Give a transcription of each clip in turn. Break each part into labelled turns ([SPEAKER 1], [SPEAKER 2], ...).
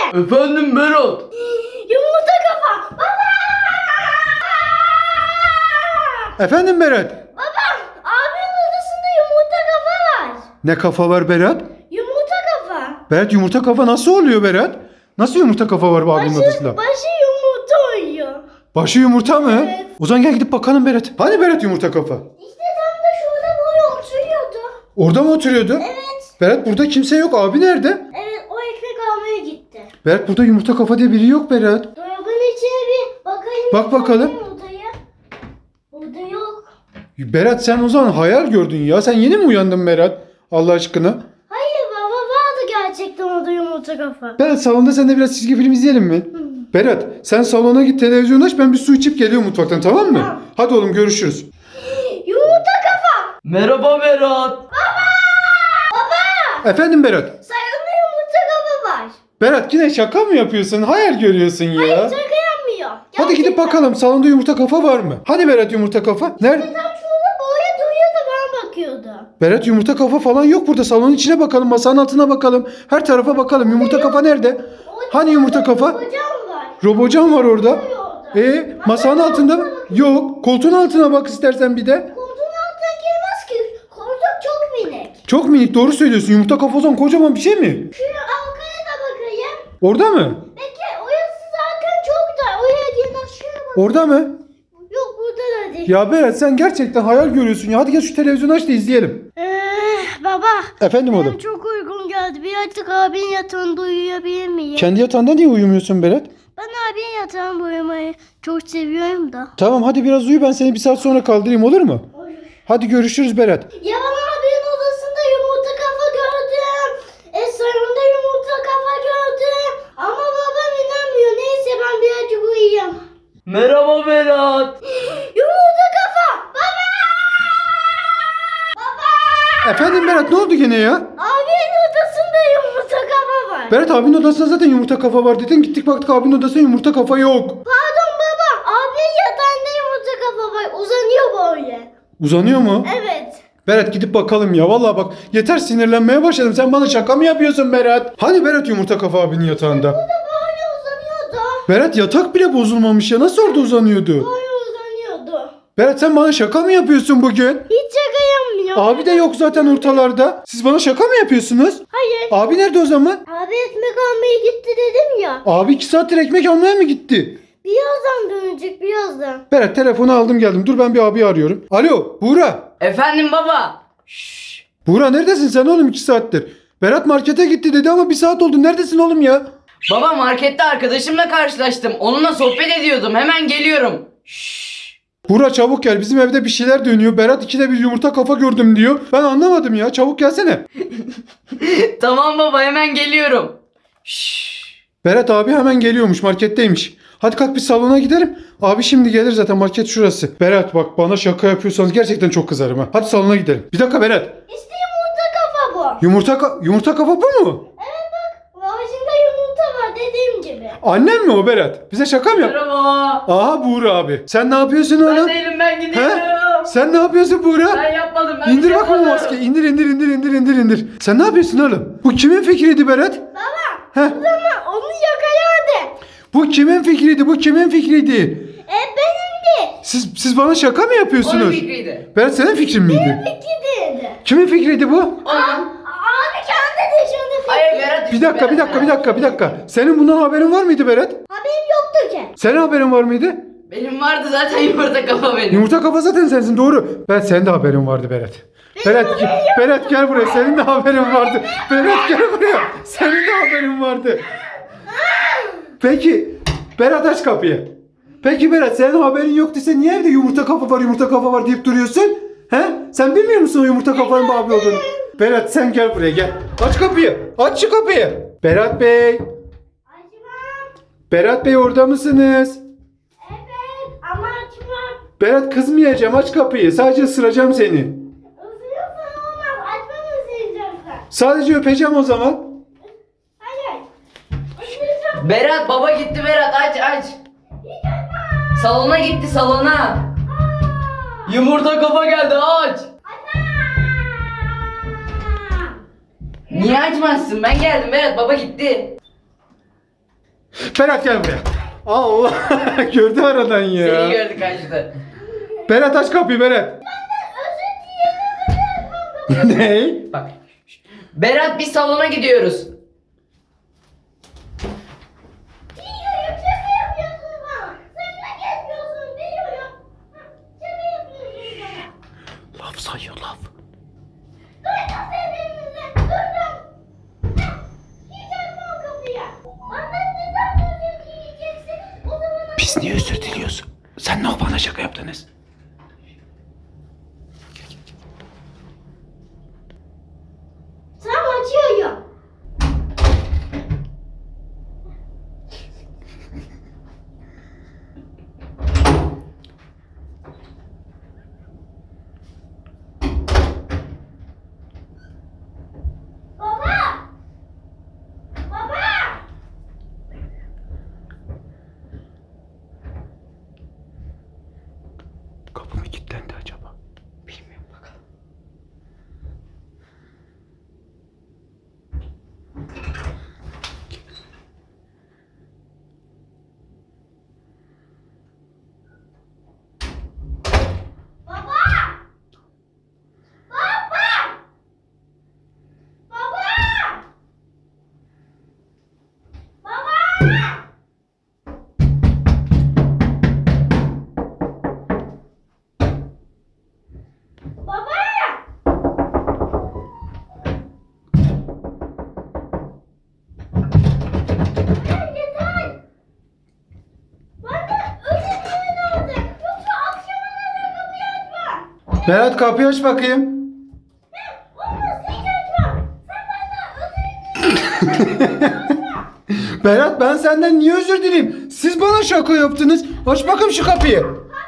[SPEAKER 1] Efendim Berat.
[SPEAKER 2] Yumurta kafa. Baba.
[SPEAKER 3] Efendim Berat.
[SPEAKER 2] Baba. Abimin odasında yumurta kafa var.
[SPEAKER 3] Ne kafa var Berat?
[SPEAKER 2] Yumurta kafa.
[SPEAKER 3] Berat yumurta kafa nasıl oluyor Berat? Nasıl yumurta kafa var bu abinin odasında?
[SPEAKER 2] Başı yumurta uyuyor.
[SPEAKER 3] Başı yumurta mı?
[SPEAKER 2] Evet.
[SPEAKER 3] O zaman gel gidip bakalım Berat. Hani Berat yumurta kafa?
[SPEAKER 2] İşte tam da şurada böyle oturuyordu.
[SPEAKER 3] Orada mı oturuyordu?
[SPEAKER 2] Evet.
[SPEAKER 3] Berat burada kimse yok. Abi nerede?
[SPEAKER 2] Evet, o ekmek almaya gitti.
[SPEAKER 3] Berat burada yumurta kafa diye biri yok Berat.
[SPEAKER 2] Dolabın içine bir bakayım.
[SPEAKER 3] Bak bakalım.
[SPEAKER 2] Yumurtayı. Burada yok.
[SPEAKER 3] Berat sen o zaman hayal gördün ya. Sen yeni mi uyandın Berat? Allah aşkına.
[SPEAKER 2] Hayır baba, vardı gerçekten orada yumurta kafa.
[SPEAKER 3] Berat salonda sen de biraz çizgi film izleyelim mi? Berat sen salona git, televizyon aç, ben bir su içip geliyorum mutfaktan, tamam mı?
[SPEAKER 2] Tamam.
[SPEAKER 3] Hadi oğlum görüşürüz.
[SPEAKER 2] Yumurta kafa.
[SPEAKER 1] Merhaba Berat.
[SPEAKER 3] Efendim Berat.
[SPEAKER 2] Sayında yumurta kafa var.
[SPEAKER 3] Berat yine şaka mı yapıyorsun? Hayal görüyorsun ya.
[SPEAKER 2] Hayır, şaka yapmıyor.
[SPEAKER 3] Hadi gidip bakalım salonda yumurta kafa var mı? Hadi Berat yumurta kafa. Nerede?
[SPEAKER 2] Tam şurada böyle duruyordu, bana bakıyordu.
[SPEAKER 3] Berat yumurta kafa falan yok burada. Salonun içine bakalım, masanın altına bakalım. Her tarafa bakalım. Yumurta kafa nerede? Hani yumurta kafa?
[SPEAKER 2] Hocam var.
[SPEAKER 3] Robocan var orada.
[SPEAKER 2] Orada.
[SPEAKER 3] Masanın altında mı? Yok. Koltuğun altına bak istersen bir de.
[SPEAKER 2] Koltuğun altına girmez ki. Koltuk çok minik.
[SPEAKER 3] Çok minik, doğru söylüyorsun. Yumurta kafa o zaman kocaman bir şey mi?
[SPEAKER 2] Şu arkaya da bakayım.
[SPEAKER 3] Orada mı?
[SPEAKER 2] Peki orası zaten çok da. Oraya girmez. Şuraya bak.
[SPEAKER 3] Orada mı?
[SPEAKER 2] Yok, burada da değil.
[SPEAKER 3] Ya Berat sen gerçekten hayal görüyorsun ya. Hadi gel şu televizyonu aç da izleyelim.
[SPEAKER 2] Baba.
[SPEAKER 3] Efendim
[SPEAKER 2] Benim
[SPEAKER 3] oğlum.
[SPEAKER 2] çok uykum geldi. Birazcık abinin yatağında uyuyabilir miyim?
[SPEAKER 3] Kendi yatağında niye uyumuyorsun Berat?
[SPEAKER 2] Ben abinin yatağında uyumayı çok seviyorum da.
[SPEAKER 3] Tamam hadi biraz uyu, ben seni bir saat sonra kaldırayım, olur mu? Hadi görüşürüz Berat.
[SPEAKER 2] Ya ben abinin odasında yumurta kafa gördüm. Salonda yumurta kafa gördüm. Ama babam inanmıyor. Neyse, ben birazcık uyuyayım.
[SPEAKER 1] Merhaba Berat.
[SPEAKER 2] Yumurta kafa. Baba. Baba.
[SPEAKER 3] Efendim Berat, ne oldu gene ya?
[SPEAKER 2] Abinin odasında yumurta kafa var.
[SPEAKER 3] Berat abinin odasında zaten yumurta kafa var dedin. Gittik baktık abinin odasında yumurta kafa yok.
[SPEAKER 2] Pardon baba. Abinin yatağında yumurta kafa var. Uzanıyor böyle.
[SPEAKER 3] Uzanıyor mu?
[SPEAKER 2] Evet.
[SPEAKER 3] Berat gidip bakalım ya. Vallahi bak yeter, sinirlenmeye başladım. Sen bana şaka mı yapıyorsun Berat? Hani Berat yumurta kafa abinin yatağında?
[SPEAKER 2] Burada böyle uzanıyordu.
[SPEAKER 3] Berat yatak bile bozulmamış ya. Nasıl orada uzanıyordu?
[SPEAKER 2] Böyle uzanıyordu.
[SPEAKER 3] Berat sen bana şaka mı yapıyorsun bugün?
[SPEAKER 2] Hiç şaka yapmıyor.
[SPEAKER 3] Abi de yok zaten ortalarda. Siz bana şaka mı yapıyorsunuz?
[SPEAKER 2] Hayır.
[SPEAKER 3] Abi nerede o zaman?
[SPEAKER 2] Abi ekmek almaya gitti dedim ya.
[SPEAKER 3] Abi 2 saattir ekmek almaya mı gitti?
[SPEAKER 2] Birazdan dönecek, birazdan.
[SPEAKER 3] Berat telefonu aldım geldim. Dur ben bir abi arıyorum. Alo Buğra.
[SPEAKER 1] Efendim baba. Şşş.
[SPEAKER 3] Buğra neredesin sen oğlum 2 saattir? Berat markete gitti dedi ama 1 saat oldu. Neredesin oğlum ya?
[SPEAKER 1] Baba markette arkadaşımla karşılaştım. Onunla sohbet ediyordum. Hemen geliyorum. Şşş.
[SPEAKER 3] Buğra çabuk gel. Bizim evde bir şeyler dönüyor. Berat 2'de bir yumurta kafa gördüm diyor. Ben anlamadım ya. Çabuk gelsene.
[SPEAKER 1] Tamam baba, hemen geliyorum. Şşş.
[SPEAKER 3] Berat abi hemen geliyormuş. Marketteymiş. Hadi kalk bir salona gidelim. Abi şimdi gelir zaten, market şurası. Berat bak bana şaka yapıyorsanız gerçekten çok kızarım ha. Hadi salona gidelim. Bir dakika Berat.
[SPEAKER 2] İşte yumurta kafa bu.
[SPEAKER 3] Yumurta kafa bu mu?
[SPEAKER 2] Evet bak. Ağacında yumurta var dediğim gibi.
[SPEAKER 3] Annem mi o Berat? Bize şaka mı yap?
[SPEAKER 1] Merhaba.
[SPEAKER 3] Aha Buğra abi. Sen ne yapıyorsun
[SPEAKER 1] Ben
[SPEAKER 3] oğlum?
[SPEAKER 1] değilim, ben gidiyorum.
[SPEAKER 3] Sen ne yapıyorsun Buğra?
[SPEAKER 1] Ben yapmadım. Ben
[SPEAKER 3] İndir
[SPEAKER 1] bir şey
[SPEAKER 3] bakma o
[SPEAKER 1] yapmadım.
[SPEAKER 3] maskeyi. İndir. Sen ne yapıyorsun oğlum? Bu kimin fikriydi Berat?
[SPEAKER 2] Baba.
[SPEAKER 3] Heh.
[SPEAKER 2] O zaman onu yakalardı.
[SPEAKER 3] Bu kimin fikriydi?
[SPEAKER 2] Benimdi.
[SPEAKER 3] Siz bana şaka mı
[SPEAKER 1] Onun
[SPEAKER 3] yapıyorsunuz?
[SPEAKER 1] fikriydi.
[SPEAKER 3] Berat senin fikrin miydi?
[SPEAKER 2] Peki dedi.
[SPEAKER 3] Kimin fikriydi bu?
[SPEAKER 1] Onun.
[SPEAKER 2] Abi kendi dışında fikri.
[SPEAKER 1] Hayır Berat.
[SPEAKER 3] Bir dakika. Senin bundan haberin var mıydı Berat?
[SPEAKER 2] Haberim yoktu ki.
[SPEAKER 3] Senin haberin var mıydı?
[SPEAKER 1] Benim vardı zaten yumurta kafa benim.
[SPEAKER 3] Yumurta kafa zaten sensin, doğru. Berat senin de haberin vardı Berat. Berat gel buraya, senin de haberin vardı. Berat gel buraya, senin de haberin vardı. Peki Berat aç kapıyı. Peki Berat senin haberin yoktuysa niye evde yumurta kafa var deyip duruyorsun? He? Sen bilmiyor musun o yumurta kafanın abi olduğunu? Berat sen gel buraya gel. Aç kapıyı. Aç şu kapıyı. Berat Bey.
[SPEAKER 2] Açmam.
[SPEAKER 3] Berat Bey orada mısınız?
[SPEAKER 2] Evet ama açmam.
[SPEAKER 3] Berat kızmayacağım, aç kapıyı. Sadece ısıracağım seni.
[SPEAKER 2] Isırıyorsan olmaz. Açmamı isteyeceksin.
[SPEAKER 3] Sadece öpeceğim o zaman.
[SPEAKER 2] Hayır. Isıracağım.
[SPEAKER 1] Berat baba gitti Berat, aç. Salona gitti, salona. Yumurta kafa geldi, aç. Niye açmazsın? Ben geldim Berat, baba gitti.
[SPEAKER 3] Berat gel buraya. Allah gördü aradan ya.
[SPEAKER 1] Seni gördü kaçtı.
[SPEAKER 3] Berat aç kapıyı Berat. Ne?
[SPEAKER 1] Bak. Berat biz salona gidiyoruz.
[SPEAKER 2] Biliyorum şaka yapıyorsun bana. Sen ne yapıyorsun biliyorum. Şaka yapıyorsun bana.
[SPEAKER 3] Laf sayıyor laf.
[SPEAKER 2] Duydum sesinizi. Duydum. Hiç açma o kapıyı. Benden neden özür dileyeceksin? O zaman
[SPEAKER 3] Biz niye özür diliyoruz? Sen ne o bana şaka yaptınız?
[SPEAKER 2] tam açıyorum. Baba! Baba!
[SPEAKER 3] Kapı mı kilitlendi acaba?
[SPEAKER 1] Bilmiyorum bakalım.
[SPEAKER 2] Baba! Baba! Baba! Baba! Baba! Yeter, yeter. Ben de özür dilerim artık. Yoksa akşama kadar kapıyı açma.
[SPEAKER 3] Berat kapıyı aç bakayım.
[SPEAKER 2] Olmaz, hiç açma. Sen benden özür dilerim.
[SPEAKER 3] Berat ben senden niye özür dileyim? Siz bana şaka yaptınız. Aç bakayım şu kapıyı.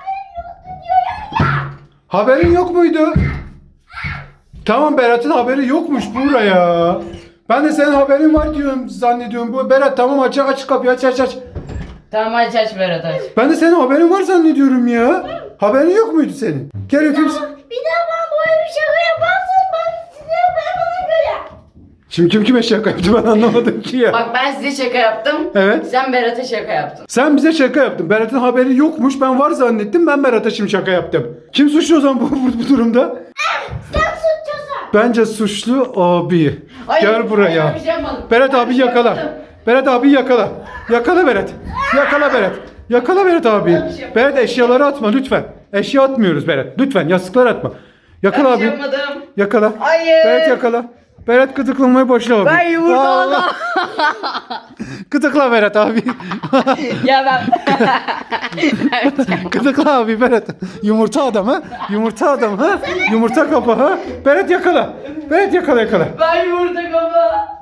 [SPEAKER 3] Haberin yok muydu? Tamam Berat'ın haberi yokmuş buraya. Ben de senin haberin var diyorum zannediyorum. Bu Berat tamam aç kapıyı aç.
[SPEAKER 1] Tamam aç Berat aç.
[SPEAKER 3] Ben de senin haberin var zannediyorum ya. Haberin yok muydu senin? Gel öpeyim.
[SPEAKER 2] Bir daha ben böyle bir şaka yaparsam ben size ona göre.
[SPEAKER 3] Şimdi kim kime şaka yaptı ben anlamadım ki ya.
[SPEAKER 1] Bak ben size şaka yaptım.
[SPEAKER 3] Evet.
[SPEAKER 1] Sen Berat'a şaka yaptın.
[SPEAKER 3] Sen bize şaka yaptın. Berat'ın haberi yokmuş. Ben var zannettim. Ben Berat'a şimdi şaka yaptım. Kim suçlu o zaman bu durumda?
[SPEAKER 2] Sen suçlusun.
[SPEAKER 3] Bence suçlu abi.
[SPEAKER 1] Hayır,
[SPEAKER 3] Gel buraya.
[SPEAKER 1] hayır, bir şey yapmadım.
[SPEAKER 3] Berat
[SPEAKER 1] Ben
[SPEAKER 3] abi
[SPEAKER 1] bir şey
[SPEAKER 3] yakala.
[SPEAKER 1] yapmadım.
[SPEAKER 3] Berat abi yakala. Yakala Berat. Yakala Berat. Yakala Berat abi.
[SPEAKER 1] Ben bir şey yapmadım.
[SPEAKER 3] Berat eşyaları atma lütfen. Eşya atmıyoruz Berat. Lütfen yastıklar atma. Yakala
[SPEAKER 1] Ben bir
[SPEAKER 3] abi.
[SPEAKER 1] şey yapmadım.
[SPEAKER 3] Yakala.
[SPEAKER 1] Hayır.
[SPEAKER 3] Berat yakala. Berat gıdıklamaya başla abi.
[SPEAKER 1] Ben yumurta
[SPEAKER 3] Allah.
[SPEAKER 1] aldım.
[SPEAKER 3] Gıdıkla Berat abi.
[SPEAKER 1] Ya ben...
[SPEAKER 3] Gıdıkla abi Berat. Yumurta adam ha. Yumurta adam ha. Yumurta kafa ha. Berat yakala. Berat yakala.
[SPEAKER 1] Ben yumurta kafa.